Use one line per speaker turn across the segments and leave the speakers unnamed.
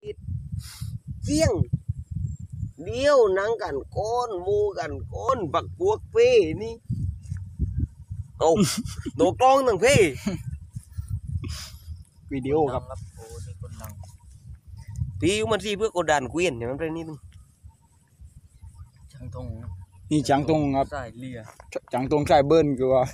เจียงเดียวนังกันก้อนมูกันก้อนบักพวกเพ่นี่โอ้โดกล้องตั้งเพ่วิดีโอครับ
โอ้นี่คนดัง
พี่มันสิเพื่อกดดันเกวียนอย่างนั้นไปนิดนึง
จังทง
นี่จังตรงครับ
สายเลีย
จังตรงสายเบิ้ลคือว่า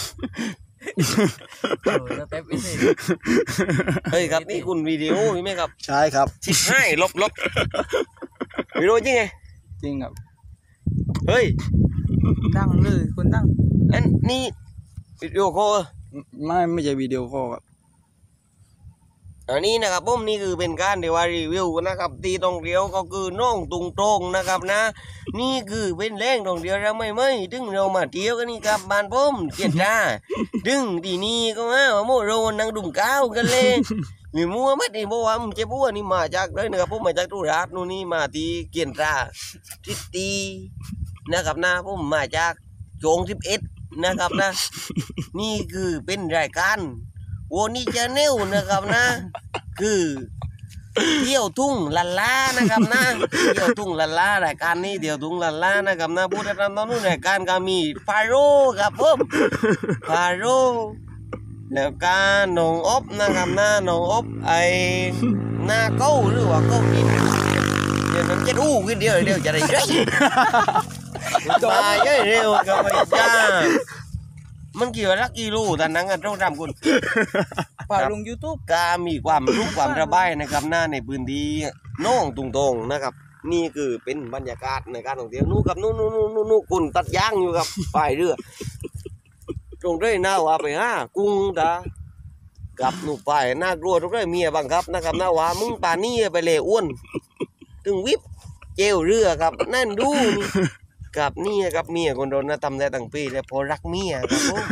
แล้วเป๊ปอีก
เฮ้ยครับนี่คุณวิดีโอใช่ไหมครับ
ใช่ครับ
ชิบให้ลบวิดีโอจริงไง
จริงครับ
เฮ้ย
ดังเลยคนดัง
อันนี้วิดีโอคอล
ไม่ใช่วิดีโอคอลครับ
อันนี้นะครับผมนี่คือเป็นการเดี๋ยวรีวิวนะครับตีตรงเดียวก็คือน้องตุงตรงนะครับนะนี่คือเป็นแรงตรงเดียวเราไม่ถึงเรามาเที่ยวกันนี่ครับบ้านผมเกียรติจ้าดึงทีนี้ก็มาโมโรนั่งดุ่มก้าวกันเลยหรือมัวมัดนี่บอกว่าเจ็บบัวนี่มาจากเลยนะครับผมมาจากตุราชนู่นนี่มาที่เกียรติจ้าทิตีนะครับนะผมมาจากโจง11นะครับนะนี่คือเป็นรายการโวนี่จะเนวนะครับนะคือเที่ยวทุ่งลันลานะครับนะเที่ยวทุ่งลันลารายการนี้เที่ยวทุ่งลันลานะครับนะผู้ที่ทำตอนนู้นรายการก็มีฟาโร่ครับผมฟาโร่แล้วก็น้องอบนะครับนะน้องอบไอ้หน้าเก้าหรือว่าเก้านี่เดี๋ยวมันจะรู้ขึ้นเดียวจะได้ใช่มาเยอะเร็วกับไอ้จ้ามันเกี่ยวกับลักกิโลแต่นังกันต้องทำคุณ
ป่าลง YouTube
กามีความรู้ความระบายนะครับหน้าในพื้นที่น้องตุงตงนะครับนี่คือเป็นบรรยากาศในการท่องเที่ยวนู่กับนู่คุณตัดย่างอยู่กับปลายเรือตรงด้วยหน้าว่าไปกุ้งตากับหนูไปน่ากลัวตรงด้วยเมียบังคับนะครับหน้าว่ามึงป่านี่ไปเลยอ้วนถึงวิบเจลเรือครับนั่นดูนี่กับนี่กับเมียคนโดนนะทำได้ตั้งปีแล้วพอรักเมียครับผม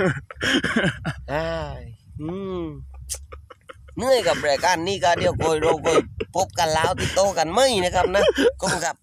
เมื่อยกับรายการนี้ก็เดี๋ยวโกยพบกันแล้วติดโตกันไม่นะครับนะก็ครับ